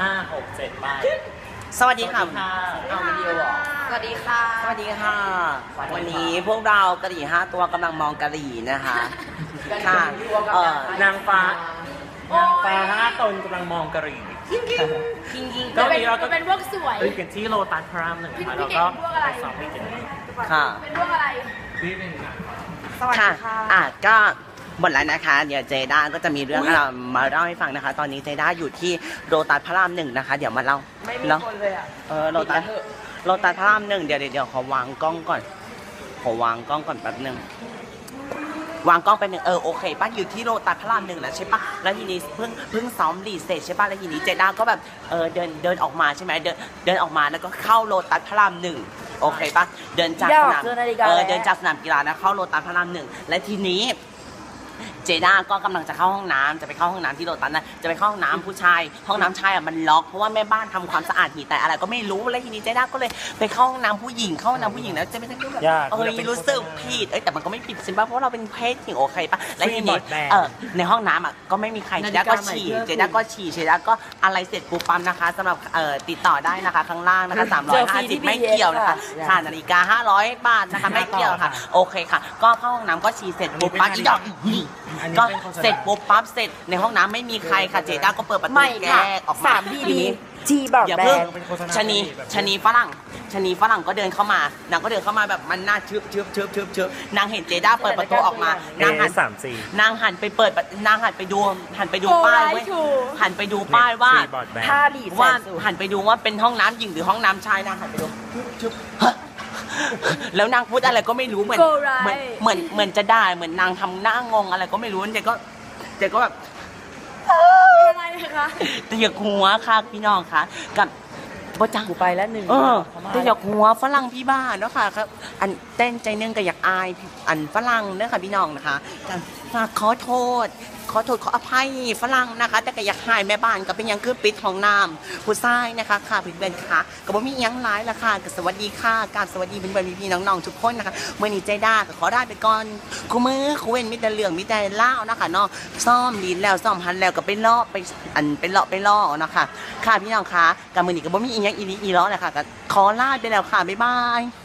5 6 7ไปสวัสดีค่ะเอาวิดีโอหรอสวัสดีค่ะสวัสดีค่ะวันนี้พวกเรากะหรี่5 ตัวกำลังมองกะหรี่นะคะค่ะนางฟ้5 ตนกำลังมองกะหรี่ก็เป็นพวกสวยไปกันที่โลตัสพระราม1แล้วก็ไปสอบไปกันค่ะเป็นพวกอะไรสวัสดีค่ะก็หมดแล้วนะคะเดี๋ยวเจด้าก็จะมีเรื่องมาเล่าให้ฟังนะคะตอนนี้เจด้าอยู่ที่โลตัสพระราม1นะคะเดี๋ยวมาเล่าไม่มีคนเลยอ่ะโลตัสพระราม1เดี๋ยวขอวางกล้องก่อนแป๊บนึงวางกล้องไปหนึ่งโอเคป้าอยู่ที่โลตัสพระราม1แล้วใช่ปะแล้วทีนี้เพิ่งซ้อมรีเซ็ตใช่ปะแล้วทีนี้เจด้าก็แบบเดินออกมาใช่ไหมเดินออกมาแล้วก็เข้าโลตัสพระราม1โอเคปะเดินจากสนามกีฬานะเข้าโลตัสพระราม1และทีนี้เจด้าก็กำลังจะเข้าห้องน้ำจะไปเข้าห้องน้ำที่โลตัสนะจะไปเข้าห้องน้ำผู้ชายห้องน้ำชายมันล็อกเพราะว่าแม่บ้านทำความสะอาดหีแต่อะไรก็ไม่รู้แล้วทีนี้เจด้าก็เลยไปเข้าห้องน้ำผู้หญิงแล้วจะไม่ได้แบบรู้สึกผิดแต่มันก็ไม่ผิดใช่ปะเพราะเราเป็นเพศหญิงโอเคปะแล้วทีนี้ในห้องน้ำก็ไม่มีใครเจด้าก็ฉี่เจด้าก็อะไรเสร็จปุ๊บปั๊มนะคะสำหรับติดต่อได้นะคะข้างล่างนะคะ350ไม่เกี่ยวนะคะค่านาฬิกา500 บาทนะคะไม่เกี่ยวค่ะโอเคค่ะก็เข้าห้องน้ำก็ฉี่เสร็จปุ๊บปั๊บอีดอกก็เสร็จปุ๊บปั๊บเสร็จในห้องน้ำไม่มีใครค่ะเจด้าก็เปิดประตูแก้ออกมา 3 ทีจีบอกแบงชนีฝรั่งก็เดินเข้ามานางก็เดินเข้ามาแบบมันหน้าชึบนางเห็นเจด้าเปิดประตูออกมานางหันไปดูป้ายหันไปดูป้ายว่าหันไปดูว่าเป็นห้องน้ำหญิงหรือห้องน้ำชายนางหันไปดูชึบแล้วนางพูดอะไรก็ไม่รู้เหมือนจะได้เหมือนนางทำหน้างงอะไรก็ไม่รู้เจ๊ก็แบบอะไรคะแต่อย่าหัวค่ะพี่น้องค่ะกับบ่จังกูไปแล้ว1 แต่อย่าหัวฝรั่งพี่บ้านเนาะค่ะครับอันเต้นใจนึงก็อยากอายอันฝรั่งเนาะค่ะพี่น้องนะคะฝากขอโทษขออภัยฝรั่งนะคะแต่ก็อยากหายแม่บ้านก็เป็นยังคือปิดของน้ำผู้ชายนะคะค่ะเพื่อนๆค่ะก็บ่มียังร้ายละค่ะก็สวัสดีค่ะการสวัสดีเพื่อนๆพี่น้องๆทุกคนนะคะเมื่อนี้ใจด้าก็ขอได้ไปก่อนคู่มือคู่เว้นมีแต่เรื่องมีแต่เล่านะคะเนาะซ่อมดินแล้วซ่อมหันแล้วก็ไปเลาะไปล่อนะคะค่ะพี่น้องค่ะกับมือนี้ก็บ่มีอีหยังอีล้อเลยค่ะก็ขอลาไปแล้วค่ะบ๊ายบาย